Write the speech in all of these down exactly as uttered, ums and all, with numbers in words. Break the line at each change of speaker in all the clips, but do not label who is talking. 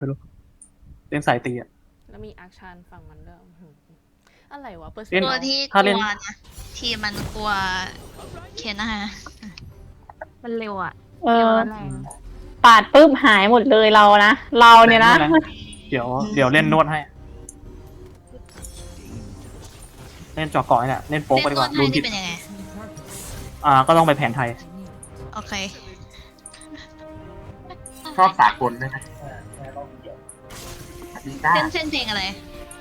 ไม่รู้เล่นสายตีอ่ะ
แล้วมีอาร์คชานฝั่งมันด้วยอื้อหืออะไรวะเปอร์เซ็น
เล่น
ต์
ตัว
เรา
ที่ก
ถ้าเล่
ลั
น
วนะทีมมันกลัวเคนนะฮะมันเร็วอ่ะ
เอ
เร็ว
อ
แล้วแรง
ปาดปุ๊บหายหมดเลยเรานะ เราเนี่ยนะ
เดี๋ยวเดี๋ยวเล่นนวดให้ เล่นจอก่อนเนี่ยเล่นโป๊ก
เล่
ไป
น
ดีก
นว
ว่า
ด
ดู
ให้
ผิ
นี่
ด
เป็นยังไง
อ่าก็ต้องไปแผนไทย
โอเค
ชอบสากลด้วยนะดีจ้า
เส้นเส้นเพลงอะไร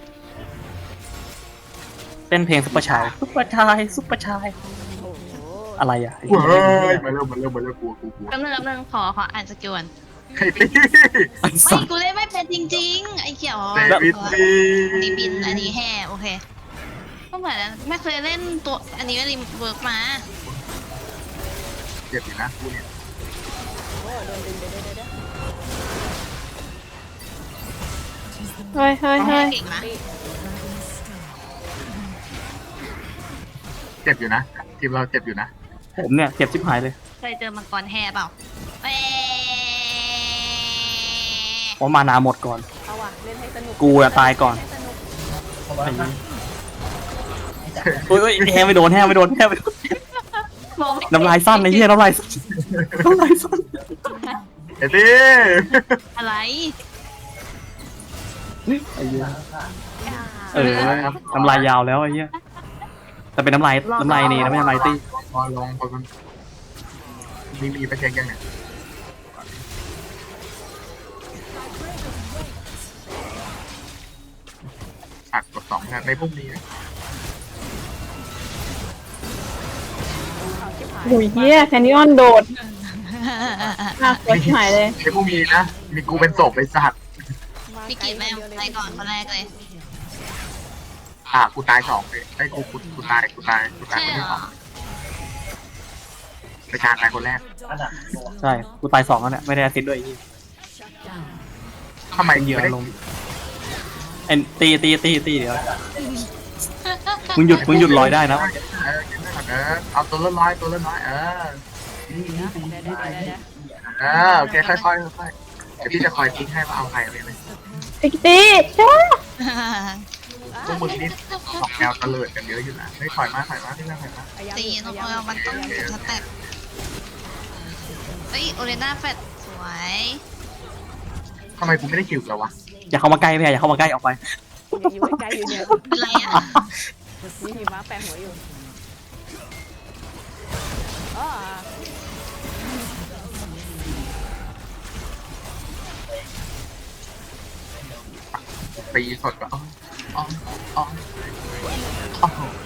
เต้นเพลงซุปเปอร์ชายซุปเปอร์ชายซุปเปอร์ชาย
โอ้โห
อะไรอ่ะ
เฮ้ยมาเริ่มมาเริ่มมาเริ่มกลัวกลัวกลัว
แป๊บนึงแป๊บนึงขอขออ่านสกิลก่อน
ใครตี
ไอ้
ไม่
สัส
กูเล่นไม่เป็นจริงๆ ไอ้เกี่ยว
เดวิดตี
อันนี้บินอันนี้แห่โอเคก็เหมือนไม่เคยเล่นตัวอันนี้ไม่รีเวิร์กมา
เจ็บอยู่นะกูเนี่ย
โอ้โดนดึงเดี๋ยวเดี๋ยวเดี๋ยว
เฮ้ยเฮ้ย
แห่
เฮ้ย
เก่งนะ
นี่
เจ็บอยู่นะทีมเราเจ็บอยู่นะ
ผมเนี่ยเจ็บชิบหายเลย
เคยเจอมังกรแห่เปล่าเอ้ย
เพราะมานาหมดก่อน
เอาว่ะเล่นให้สนุก
กูอะตายก่อน
ให้สนุก
ไอ้นี่เฮ้ยเฮ้ยแห้งไม่โดนแห้งไม่โดนแห้งไม่โดน
มองไม่
น้ำลายสั้นไอ้เหี้ยน้ำลายสั้นน้ำลายสั้น
เอ็ดตี
อะไร
ไอ้เหี้ยเออน้ำลายยาวแล้วไอ้เหี้ยแต่เป็นน้ำลายน้ำลายนี่นะไม่ใช่น้ำลายตี้
พอลองพอมันมีมีไปเช็คยังเนี่ยอัดกดสองนะในพวกนี้
เอาชิบหาย
หุยเฮียแคนยอนโดดน่ากลัวชิบหายเลย
ในพวกนี้นะมีกูเป็นศพไอ้สัตว์
มา
พี่
ไกล
กิจแม่ง
คนเดียวเลย
ไปก่อนคนแรกเลย
อ่ะกูตายสองเลยไอ้กูกูกูตายกูตายกูตาย
ใช่
คน
เหร
ที่สอ
อง
ไปชาตายคนแรก
ใช่กูตายสองแล้วเนี่ยไม่ได้แอสซิดด้วยไอ้เหี้ย
ทำไม
เป็นเหยื่อ
ไม่ได้
ลงเอ็นตีตีตีตีเดี๋ยวมึงหยุดมึงหยุดลอยได้นะ
เออเออเอาตัวละน้อยตัวละน้อยเออ
เดี๋ยวเดี๋ยวเดี๋ยวเดี๋ยวเดี๋ยว
เออโอเคค่อยๆค่อยๆเดี๋ยวพี่จะคอยทิ้งให้ว่าเอาใครเลยเลย
ไอ้ตีจ้า
พวกมึงนี่ออกแนวตะเลิดกันเยอะอยู่นะไม่ถอยมาถอยมาที่นั่งถอยมา
พยายาม
ตี
อยู่
นก
พยายาม
เออมันต้องจุดสแต็ปเฮ้ยโอเรน่าแฟดสวย
ทำไมกูไม่ได้คิวแล้ววะ
อย่าเข้ามาใกล้ไม่อย่าเข้ามาใกล้ออกไป
อยู่อยู่ใกล้ๆอยู่เนี่ย
อะไรอ่ะ
มีหิมะแปะหัวอยู่อ๋อ
ตีสดก็อ๋ออ๋ออ๋ออ๋อ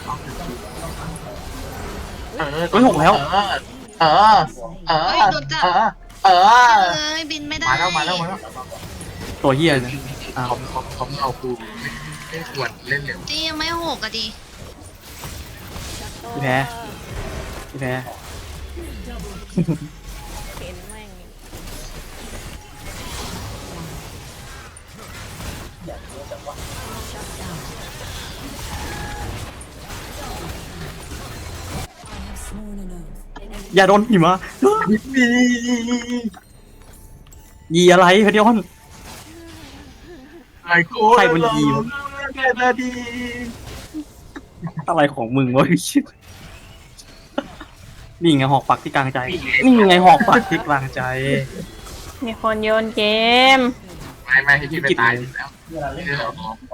เออ
เฮ้ยหกแล้ว
เออเออเออเออเออ
เอ้ยบินไม่ได้
มาแล้วมาแล้วมาแล้ว
ตัวเหี้ยเลยอ้าว
เขาเขาเขาเอากูไม่ควรเล่นเร็ว
ตียังไม่หกอะดิ
พี่แพ้พี่แพ้
เข็นแม่ง
อย่าโดนหิมะ
มี
ยีอะไรเพดิออน
ไอ้โค้
ใครบนยีวะ
แค่นาที
อะไรของมึงวะชิบนี่ไงหอกปักที่กลางใจ นี่ไงหอกปักที่กลางใจ
มีคนโยนเกม
ไม่ไม่ให้พี่ไปตายอยู่แล้วนี่เหรอ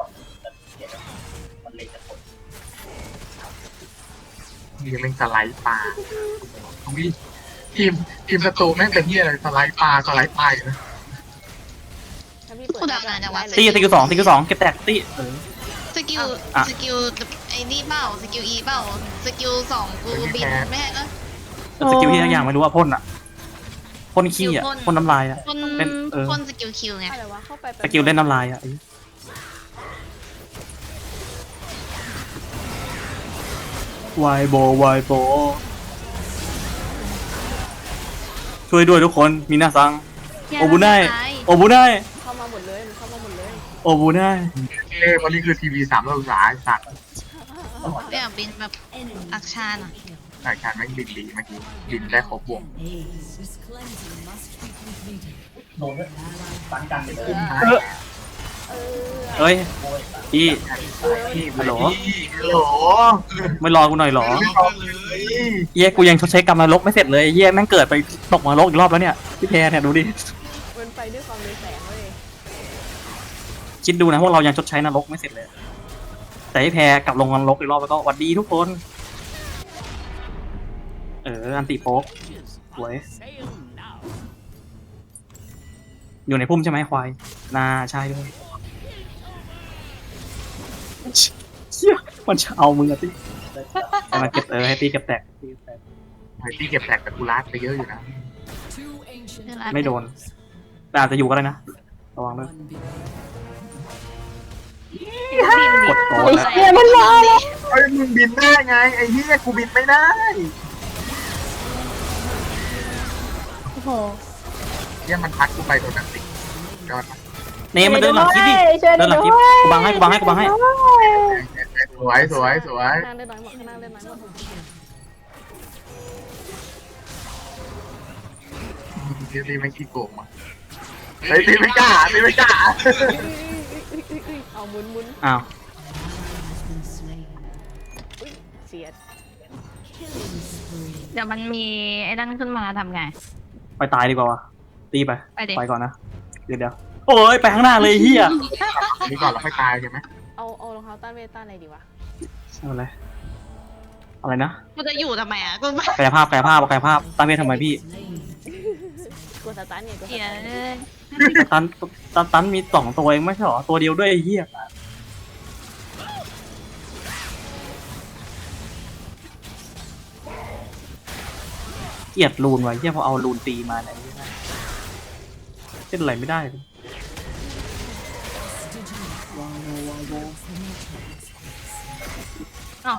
นี่เป็นสไลด์ปลาวิทีมทีมศัตรูแม่งเป็นที่อะไรสไลด์ปลาสไลด์ปลาอยู่นะ
ถ้าพี่เปิด
กูดังงานจังวะ
ตีตีกิวสองตีกิวสองเก็บแตกตีเออ
สกิล
อ่ะ
สกิลไอ้นี่เปล่าสกิลอีเปล่าสกิลสองกูบินไม่ใช่ก็
แต่สกิลที่ทั้งอย่างไม่รู้ว่าพ่นอะพ่นขี้อะพ่นน้ำลายอะ
คน
เป็นเออ
คนสกิลคิวไง
อะไรวะเข้าไป
สกิลเล่นน้ำลายอะวายโบวายโบช่วยด้วยทุกคนมีหน้าซัง โอบุไนโอบุไน
เข้ามาหมดเลยมันเข้ามาหมดเลย
โอบุไน
เอ้วันนี้คือทีวีสามร้อยองศาสัตว์
ไม่อยากบินแบบอักชานอ่ะ
แต่การแม่งบินดีเมื่อกี้บินได้ครบวง
เออ
เอ้ยพี่
พี่
ฮัลโหล
ฮัลโหล
ไม่รอกูหน่อยเหรอ
ไม่บอกเลย
เหี้ยกูยังชดใช้กรรมนรกไม่เสร็จเลยเหี้ยแม่งเกิดไปตกนรกอีกรอบแล้วเนี่ยพี่แพรเนี่ยดูดิ
มันไปด้วยความเรืองแสงเว้ย
คิดดูนะพวกเรายังชดใช้นรกไม่เสร็จเลย แต่พี่แพรกลับลงนรกอีกรอบแล้วก็หวัดดีทุกคน เอออันติโป๊กสวยอยู่ในพุ่มใช่ไหมควายนาใช่ด้วยเชี่ยมันจะเอามึงอะติให้มันเก็บเออให้ตีเก็บแตกตีเก็บแตก
ไอ้ที่เก็บแตกแต่กูรัดไปเยอะอยู่นะ
ไม่โดนแต่อาจจะอยู่ก็ได้นะระวังด้วยกดโต
ไอ้
แล้ว
เหี้ยมันมาแล้ว
ไอ้ยมึงบินได้ไงไอ้เหี้ยกูบินไม่ได้
โอ้โห
เหี้ยมันพัดกูไปโดนนันติยอด
เนมมันเดินหลังคลิปดิ
ช่วย
เดินหลังคลิป
ด้วย
กูบังให้กูบังให้กูบังให้
สวยสวยสวย
ข้างล่างเล่นน้อยหมดข้างล่างเล่นน้อยหมด
ทีตีไม่ขี้โกงว่ะเฮ้ยตีไม่กล้าตีไม่กล้า
เอาหมุนหมุน
อ้าว
อุ้ยเสียด
เดี๋ยวมันมีไอ้นั่นขึ้นมาทำไง
ไปตายดีกว่าวะตีไป
ไปดิ
ไปก่อนนะเดี๋ยวเดี๋ยวโอ้ยไปข้างหน้าเลยเฮีย
นี่ก่อนเราค่อยตายใช่ไหม
เอาเอารองเท้าต้านเวทต้านอะไรดีวะ
เอาอะไรอะไรนะ
กูจะอยู่ทำไมอ่ะกูไม่
กายภาพกายภาพกายภาพตั้งเวททำไมพี่
กดสตาร์ทเนี่ยกดส
เสีย
ตาร์ท
เลย
ตันตันตันมีสองตัวเองไม่ใช่หรอตัวเดียวด้วยไอ้เฮียเกลียดรูนไว้เฮียพอเอารูนตีมาเนี่ยเล่นอะไรไม่ได้เลย
อ้าว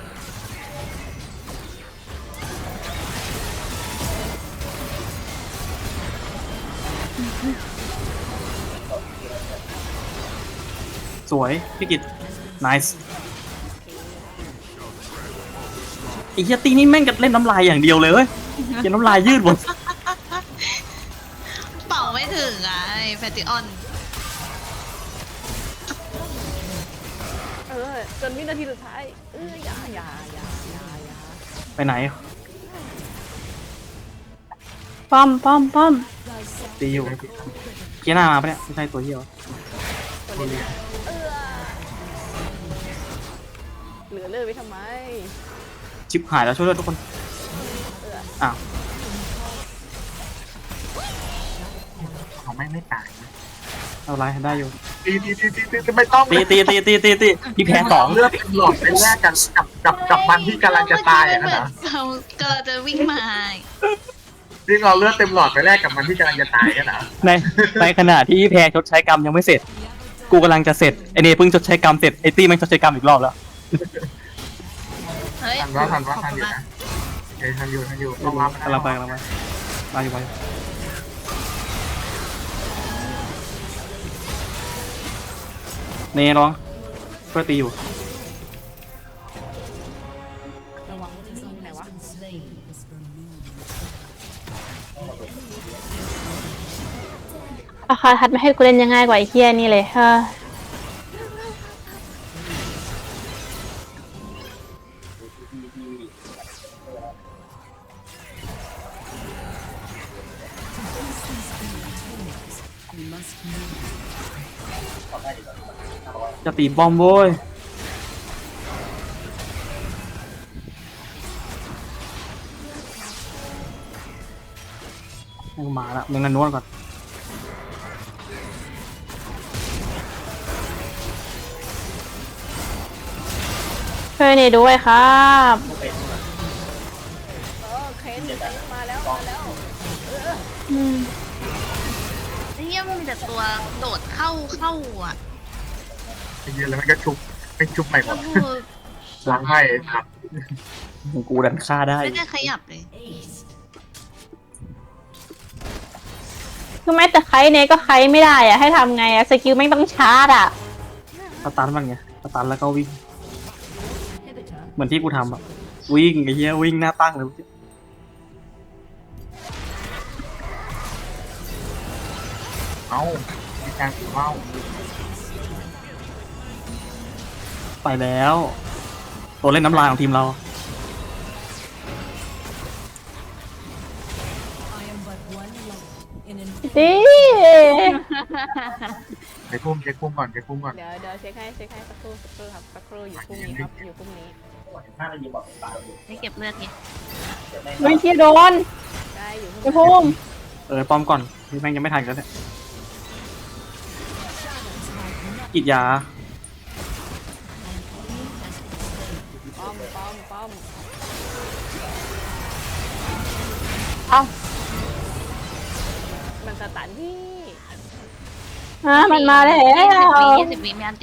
สวยพี่กิต nice ไอ้เฮียตีนี่แม่งกันเล่นน้ำลายอย่างเดียวเลยเว้ยเฮียน้ำลายยืดหมด
เป่าไม่ถึงอ่ะไอ้แฟติออน
เออจนวินาทีสุดท้ายเอออย่าอย่าอย่าอย่าอย่า
ไปไหน
ป้อมป้อมป้อม
ตีอยู่เกียร์หน้ามาปะเนี่ยไม่ใช่ตัวเฮียวะ
ตัวเล่นเออเหลือเลือดไว้ทำไม
ชิปหายแล้วช่วยด้วยทุกคน
เออ
อ้าว
เขาไม่ไม่ตายนะ
เอาไรได้อยู่
ตีตีตีตีตีไม่ต้อง
ตีตีตีตีตีตีพี่แพ้สอง
เลือดเป็นหลอดไปแลกกันกับกับกับมันที่กำลังจะตายอ่ะนะ
เรากำลังจะวิ่งมา
ที่เราเลือดเต็มหลอดไปแลกกับมันที่กำลังจะตายกันนะ
ในในขณะที่พี่แพ้ชดใช้กรรมยังไม่เสร็จ กูกำลังจะเสร็จไอเนเพิ่งชดใช้กรรมเสร็จไอตี้มันชดใช้กรรมอีกรอบแล้ว
เฮ้ย
ทันว่าทันว่าทันอยู่นะเฮ้ยทันอยู่ทันอยู่ต้องรับ
กำลังไปกำลังไปมาอยู่ไปเนร้องช่วยตีอยู่
ระวังไหนวะ
ราคาทัดไม่ให้กูเล่นยังง่ายกว่าไอ้เหี้ยนี่เลยเฮ้อ
จะตีบอมโว้ยให้กูมาแล้วมึงกันนวดก่อน
ช่วยนี่ด้วยครับ
เออเคนเคนมาแล้วมาแล้ว
อืม
ไอ้เหี้ยมันมีแต่ตัวโดดเข้าเข้าอ่ะ
ไอ้เหี้ยแล้วมันก็ชุบเป็นชุบใหม่หม
ก็
ด
คือ
ล้างให้ครับ
กูดันฆ่าได้
ไม่ได้ขยับเลย
คือแม้แต่ไคเนก็ไคไม่ได้อะให้ทำไงอะสกิลไม่งต้องชาร์จอะ
สตันมันไงสตันแล้วก็วิ่ง เหมือนที่กูทำอะวิ่งไอ้เหี้ยวิ่งหน้าตั้งเลย
เอ้ามีการเมา
ไปแล้ว ตัวเล่นน้ำลายของทีมเรา
ดิ
เช็คพุ่มเช็คพุ่มก่อนเช็คพุ่มก่อน
เดี๋ยวเดี๋ยวเช็คให้เช็คให้สักครู่สักครู่ครับสักครู่อยู่พรุ่งนี้ครับอยู่พรุ่งนี้
ไม่เก็บเลือดไง
ไม่เที่ยโดน
ได้อยู่พรุ่ง
ไอ้
นี้
พุ่ม
เออป้อมก่อนพี่แม่งยังไม่ทันกันเลยกิดยา
ป้อมป้อมป้อม
เอ้า
มันสตันพี่
ฮะมันมาแล้ว
ยี่สิบวิยี่สิบวิมีอันติ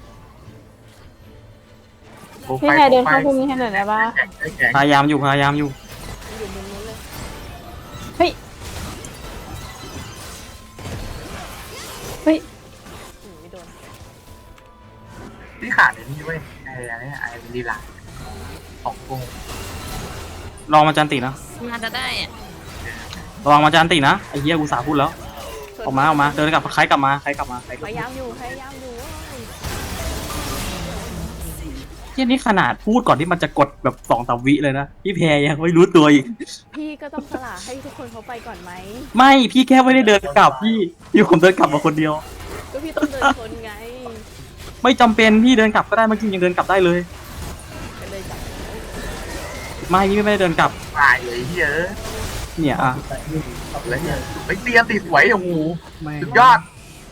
โอ้
พี่
ไป
แค่เดิน
ไป
เข้าพุ่มนี้ให้หน่อยได้ปะ
แข็งได้แข็ง
พยายามอยู่พยายามอยู่
มันอยู่มุมนู้นเลย
เฮ้ยเฮ้ย
อืมไม่โดน
ที่ขาดไอ้นี่เว้ยไอ้อะไรไอ้ลีลาของโกง
ลองมาจันตินะ
มาจะได้อะ
ระวังมาจันตินะไอ้เหี้ยกูสาพูดแล้วออกมาออกมาเดินกลับใครกลับมาใครกลับมาใครก
พ
ลับมาย
ยายามอยู่พยายามอยู่เว้ย
เหี้ยนี่ขนาดพูดก่อนที่มันจะกดแบบสองสามวิเลยนะพี่แพรยังไม่รู้ตัวอีก
พี่ก็ต้องสละให้ทุกคนเขาไปก่อนไหม
ไม่พี่แค่ไม่ได้เดินกลับพี่พี่ผมเดินกลับมาคนเดียว
ก็พี่ต้องเดินชนไง
ไม่จำเป็นพี่เดินกลับก็ได้เมื่อกี้ยังเดินกลับได้เลย
ก็เลยจับ
ไม่พี่ไม่ได้เดินกลับ
ตายเลยเฮ้ย
เนี่ยอ่ะ
แล้วเนี่ยไปเตียนติดไหวโอ้โห
ไม่
สุดยอด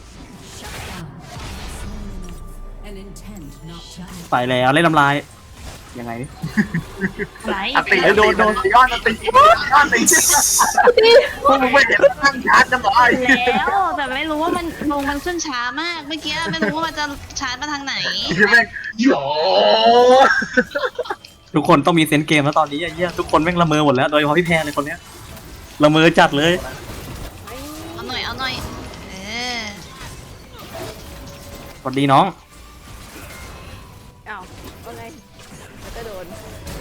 ไปแล้วเล่นลำลายยังไง
ไหล
อัติ
เอ้ยโดนโดน
ยอดอัติยอดอัติพวกมึงไม่เห็นตั้งชาร์จกันหรอไอ้
แล้วแต่ไม่รู้ว่ามันลงมันขึ้นช้ามากเมื่อกี้ไม่รู้ว่ามันจะชาร์จมาทางไหน
ที่แม่งโย
ทุกคนต้องมีเซนส์เกมแล้วตอนนี้ไอ้เหี้ยทุกคนแม่งละเมอหมดแล้วโดยเฉพาะพี่แพรเลยคนเนี้ยละเมอจัดเลย
ไม่
เอาหน่อยเอาหน่อยเออ
สวัสดีน้อง
อ้าวว่าไงแล้วก็โดน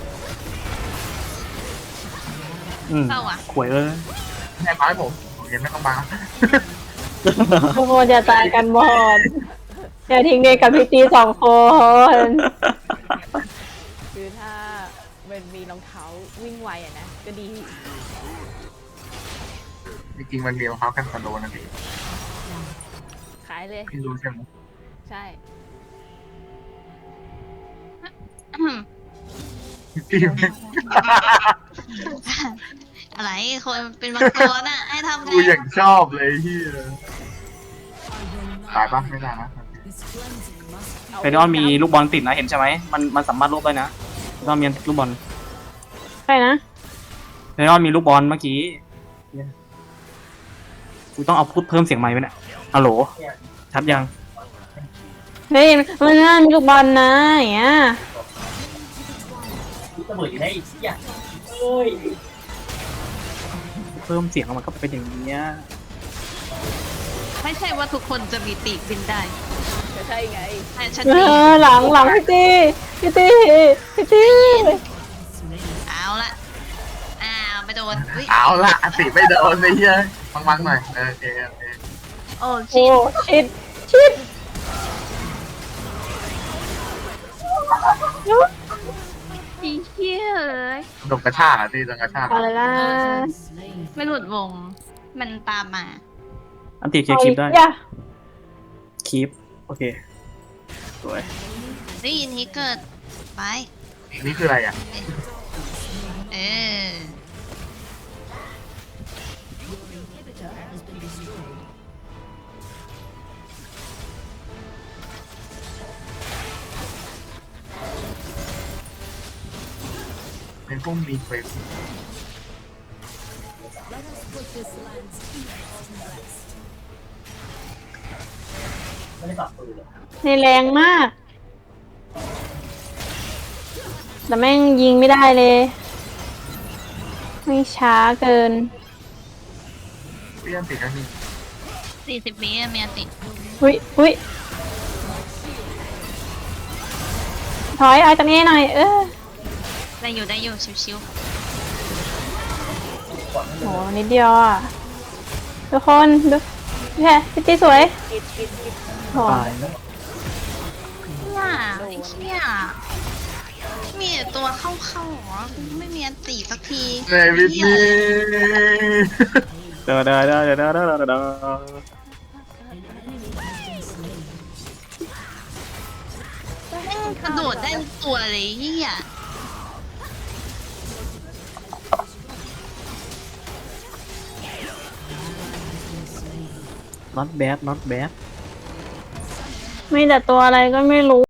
อืม
เข้าอ่ะ
ขวยเอ้ย
แม่ไม้ผมผมยังไม่ต้องมา
ทุกคนจะตายกันหมดอย่าทิ้งเด็กกับพี่ตีสองคน
คือถ้ามันมีรองเท้าวิ่งไวอะนะก็ดี
จริงๆมันมีรองเท้ากันสโลนะพี่
ขายเลย
พี่รู้ใช่ไหม
ใช่
อืม
พี่แม่ง
อะไรคนเป็นบางตัวน่ะให้ทำไง
กูอย่างชอบเลยที่ตายปะไม่ได้นะ
เฟนออนมีลูกบอลติดนะเห็นใช่ไหมมันมันสามารถลบได้นะเฟนออนมีลูกบอล
ใครนะ
เฟนออนมีลูกบอลเมื่อกี้เนี่ยกูต้องเอาพูดเพิ่มเสียงไมค์ไว้เนี่ยฮัลโหลชัดยัง
เฮ้ยมันนั่นลูกบอลนะอย่างเงี้ย
เพิ่มเสียงมันก็เป็นอย่างนี้ย
ไม่ใช่ว่าทุกคนจะมีปีกบินได้
ก็ใช่ไง
แต่ฉัน
เอ
มี
อหลังหลังพี่ตีพี่ตีพี่ตี
เอาละอ้าวไม่โดนอุ๊ย
เอาละอัติไม่โดนเลยเฮ้ยฟังๆหน่อยโอเคโอเค
โอ้
โอ้
ชิด
ชิดชิด
อีเหี้ยเลย
โดนกระชากอ่ะที่โดนกระชาก
อะไรล่ะ
ไม่หลุดวง มันตามมา
อันติเคลียร์คลิปได้
อย่า
คลิปโอเคสวย
ได้ยินที่เกิด ไป
นี่คืออะไรอ่ะ
เออ
เป็นพวกมีเฟส
ในแรงมาก แต่แม่งยิงไม่ได้เลยไม่ช้าเกิน
เปี้ยนติดนะนี่
สี่สิบวิอะเมียติด
อุ้ยอุ้ยถอยเอาจากนี้หน่อย เออ
ได้อยู่ได้อยู่ชิว
โหนิดเดียวอ่ะ ทุกคนดูแค่พิตตี้สวย
กิดกิดกิด
โอ้
ตายแล้ว
เนี่ยไอ้เหี้ยมีแต่ตัวเข้าเข้าๆหรอไม่มีอันตีสักที
เดวิดนี่
เด้อเด้อเด้อเด้อเด้อเด้อเด้อเด้อ
แม่งกระโดดได้ทุกตัวเลยเหี้ย
not bad not bad
มีแต่ตัวอะไรก็ไม่รู้